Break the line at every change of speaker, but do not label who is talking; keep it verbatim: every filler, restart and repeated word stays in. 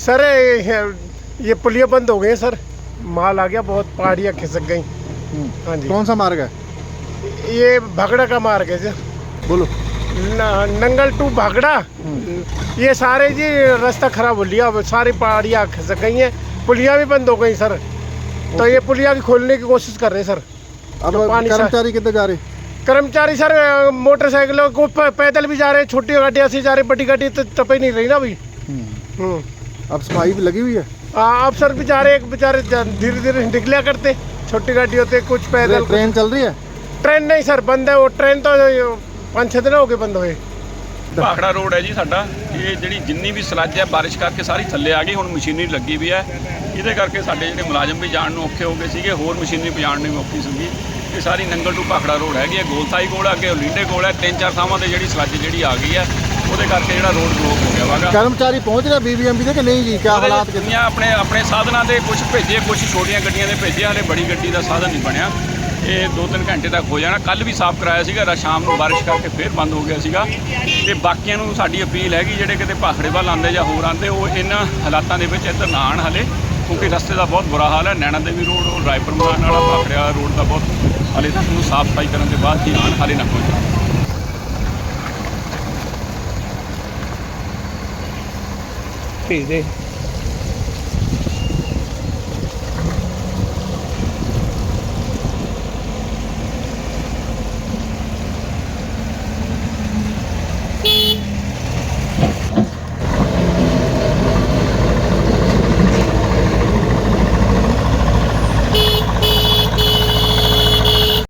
Sir ये पुलिया बंद हो गई सर, माल आ गया बहुत, पहाड़ियाँ खिसक गई। हाँ जी।
कौन सा मार्ग है?
ये भागड़ा का मार्ग है जी।
बोलो।
न, नंगल टू भागड़ा, ये सारे जी रास्ता खराब हो लिया, अब सारी पहाड़ियाँ खिसक गई हैं, पुलिया भी बंद हो गई सर। तो ये पुलिया भी खोलने की कोशिश कर रहे हैं सर।
अब
तो पानी
कर्मचारी कितने जा रहे?
कर्मचारी सर मोटरसाइकिलों को पैदल भी जा रहे हैं, छोटी गाड़ियाँ से जा रहे, बड़ी गाड़ी तो टप ही नहीं रही ना अभी। हम्म।
अब सफाई भी लगी हुई है।
आप सर बेचारे एक बेचारे धीरे धीरे निकलिया करते, छोटी गाड़ी होते, कुछ पैदल।
ट्रेन चल रही है?
ट्रेन नहीं सर, बंद है वो ट्रेन, तो पाँच छः दिन हो गए बंद हुए।
ਭਾਖੜਾ ਰੋਡ ਹੈ ਜੀ ਸਾਡਾ। ਇਹ ਜਿਹੜੀ ਜਿੰਨੀ ਵੀ ਸਲੱਜ ਹੈ ਬਾਰਿਸ਼ ਕਰਕੇ ਸਾਰੀ ਥੱਲੇ ਆ ਗਈ, ਹੁਣ ਮਸ਼ੀਨਰੀ ਲੱਗੀ ਵੀ ਹੈ, ਇਹਦੇ ਕਰਕੇ ਸਾਡੇ ਜਿਹੜੇ ਮੁਲਾਜ਼ਮ ਵੀ ਜਾਣ ਨੂੰ ਔਖੇ ਹੋ ਗਏ ਸੀਗੇ, ਹੋਰ ਮਸ਼ੀਨਰੀ ਪਜਾਣ ਨੂੰ ਵੀ ਔਖੀ ਸੀਗੀ। ਇਹ ਸਾਰੀ ਨੰਗਲ ਟੂ ਭਾਖੜਾ ਰੋਡ ਹੈਗੀ ਹੈ, ਗੋਲਸਾਈ ਕੋਲ ਅੱਗੇ ਲੀਂਡੇ ਕੋਲ ਹੈ, ਤਿੰਨ ਚਾਰ ਥਾਵਾਂ ਤੇ ਜਿਹੜੀ ਸਲੱਜ ਜਿਹੜੀ ਆ ਗਈ ਹੈ, ਉਹਦੇ ਕਰਕੇ ਜਿਹੜਾ ਰੋਡ ਬਲੌਕ ਹੋ ਗਿਆ ਵਾਗਾ।
ਕਰਮਚਾਰੀ ਪਹੁੰਚ ਰਿਹਾ ਬੀਬੀਐਮਬੀ ਦੇ ਕਿ ਨਹੀਂ ਜੀ? ਕਿਆ ਹਾਲਾਤ ਕਿੰਨੇ?
ਆਪਣੇ ਆਪਣੇ ਸਾਧਨਾਂ ਦੇ ਕੁਝ ਭੇਜੇ, ਕੁਝ ਛੋਟੀਆਂ ਗੱਡੀਆਂ ਦੇ ਭੇਜੇ, ਹਾਲੇ ਬੜੀ ਗੱਡੀ ਦਾ ਸਾਧਨ ਨਹੀਂ ਬਣਿਆ। ਇਹ ਦੋ ਤਿੰਨ ਘੰਟੇ ਤੱਕ ਹੋ ਜਾਣਾ। ਕੱਲ੍ਹ ਵੀ ਸਾਫ਼ ਕਰਾਇਆ ਸੀਗਾ, ਰਾ ਸ਼ਾਮ ਨੂੰ ਬਾਰਿਸ਼ ਕਰਕੇ ਫਿਰ ਬੰਦ ਹੋ ਗਿਆ ਸੀਗਾ। ਤੇ ਬਾਕੀਆਂ ਨੂੰ ਸਾਡੀ ਅਪੀਲ ਹੈਗੀ, ਜਿਹੜੇ ਕਿਤੇ ਭਾਖੜੇ ਵੱਲ ਆਉਂਦੇ ਜਾਂ ਹੋਰ ਆਉਂਦੇ, ਉਹ ਇਹਨਾਂ ਹਾਲਾਤਾਂ ਦੇ ਵਿੱਚ ਇੱਧਰ ਨਾ ਆਉਣ ਹਾਲੇ, ਕਿਉਂਕਿ ਰਸਤੇ ਦਾ ਬਹੁਤ ਬੁਰਾ ਹਾਲ ਹੈ। ਨੈਣਾ ਦੇਵੀ ਰੋਡ, ਉਹ ਰਾਏਪੁਰ ਮਾਨ ਵਾਲਾ ਭਾਖੜਿਆ ਰੋਡ ਦਾ ਬਹੁਤ ਹਾਲੇ ਤੱਕ ਨੂੰ ਸਾਫ਼ ਸਫਾਈ ਕਰਨ ਦੇ ਬਾਅਦ ਹੀ ਆਉਣ, ਹਾਲੇ ਨਾ ਪਹੁੰਚਣ।
ਭੇਜ ਦੇ।